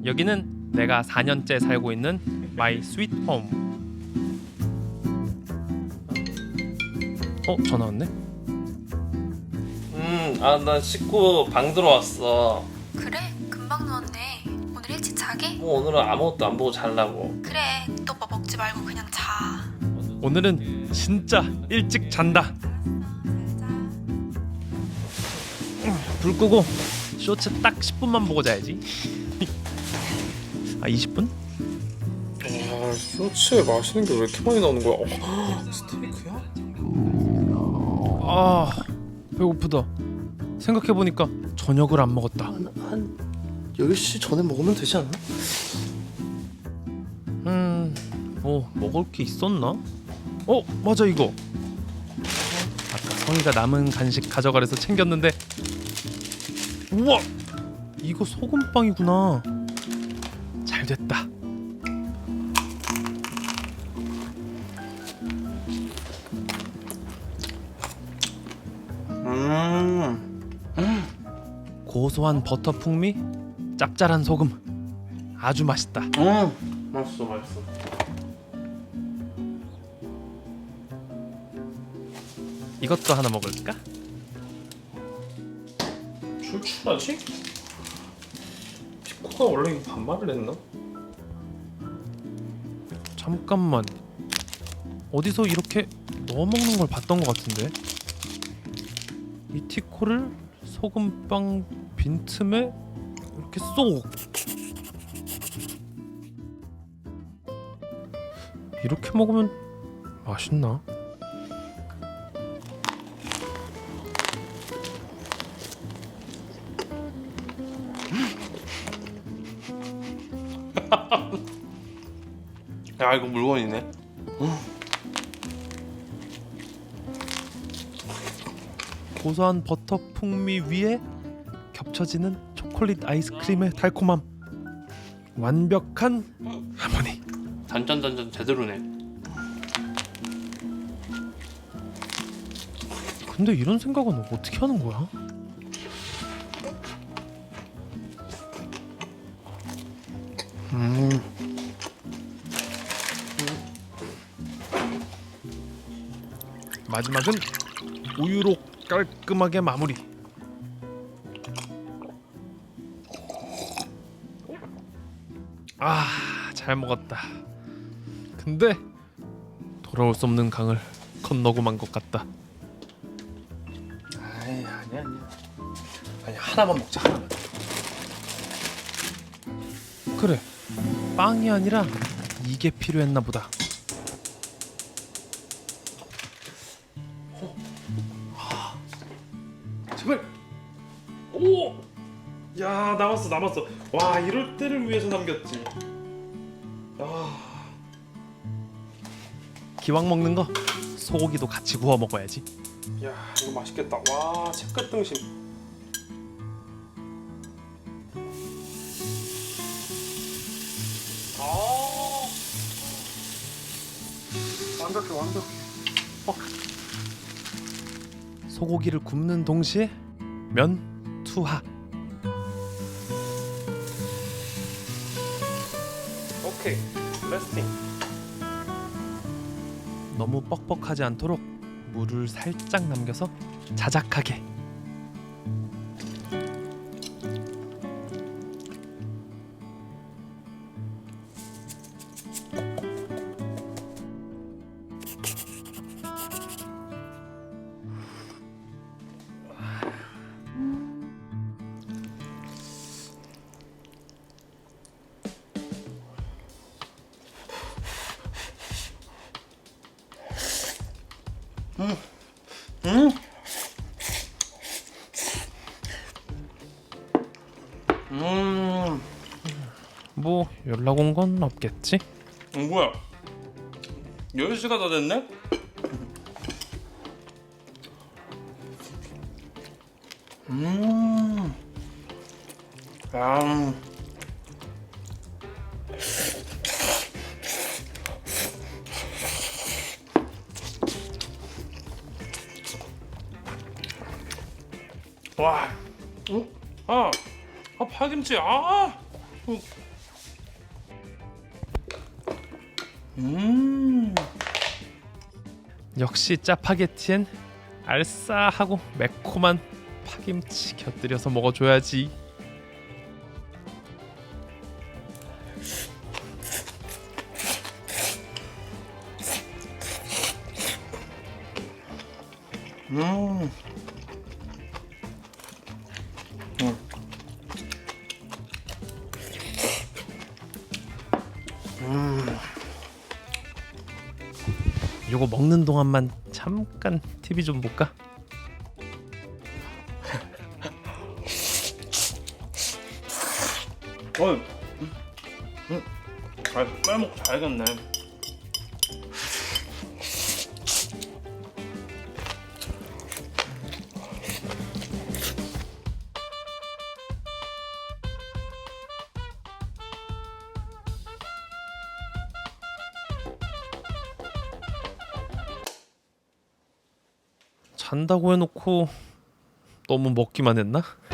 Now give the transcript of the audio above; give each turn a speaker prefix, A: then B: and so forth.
A: 여기는 내가 4년째 살고 있는 마이 스윗 홈. 전화 왔네?
B: 나 씻고 방 들어왔어.
C: 그래? 금방 누웠네. 오늘 일찍 자게?
B: 뭐 오늘은 아무것도 안 보고 자려고.
C: 그래, 또 뭐 먹지 말고 그냥 자.
A: 오늘은 진짜 일찍 잔다. 불 끄고 쇼츠 딱 10분만 보고 자야지. 20분?
D: 아, 쇼츠에 맛있는 게 왜 이렇게 많이 나오는 거야? 스테이크야?
A: 배고프다. 생각해보니까 저녁을 안 먹었다.
E: 한 10시 전에 먹으면 되지 않나?
A: 뭐 먹을 게 있었나? 맞아, 이거 아까 성희가 남은 간식 가져가래서 챙겼는데, 우와, 이거 소금빵이구나. 잘 됐다. 고소한 버터 풍미, 짭짤한 소금, 아주 맛있다.
B: 맛있어.
A: 이것도 하나 먹을까?
D: 출출하지? 피코가 원래 이거 반말을 했나?
A: 잠깐만, 어디서 이렇게 넣어 먹는 걸 봤던 것 같은데. 이 티코를 소금빵 빈틈에 이렇게 쏙. 이렇게 먹으면 맛있나?
B: 야, 이거 물건이네.
A: 고소한 버터 풍미 위에 겹쳐지는 초콜릿 아이스크림의 달콤함, 완벽한 하모니.
B: 단짠 제대로네.
A: 근데 이런 생각은 어떻게 하는 거야? 마지막은 우유로 깔끔하게 마무리. 잘 먹었다. 근데 돌아올 수 없는 강을 건너고 만 것 같다.
D: 아니야. 아니, 하나만 먹자, 하나만.
A: 그래, 빵이 아니라 이게 필요했나 보다.
D: 제발. 오! 야, 남았어. 와, 이럴 때를 위해서 남겼지.
A: 기왕 먹는 거 소고기도 같이 구워 먹어야지.
D: 야, 이거 맛있겠다. 와, 채끝 등심. 완벽해.
A: 소고기를 굽는 동시에 면 투하.
D: 오케이, 레스팅.
A: 너무 뻑뻑하지 않도록 물을 살짝 남겨서 자작하게. 뭐 연락 온 건 없겠지?
B: 뭐야? 10시가 다 됐네? 와, 파김치,
A: 역시 짜파게티엔 알싸하고 매콤한 파김치 곁들여서 먹어줘야지. 요거 먹는 동안만 잠깐 TV 좀 볼까?
B: 빼먹고 자야겠네.
A: 잔다고 해놓고 너무 먹기만 했나?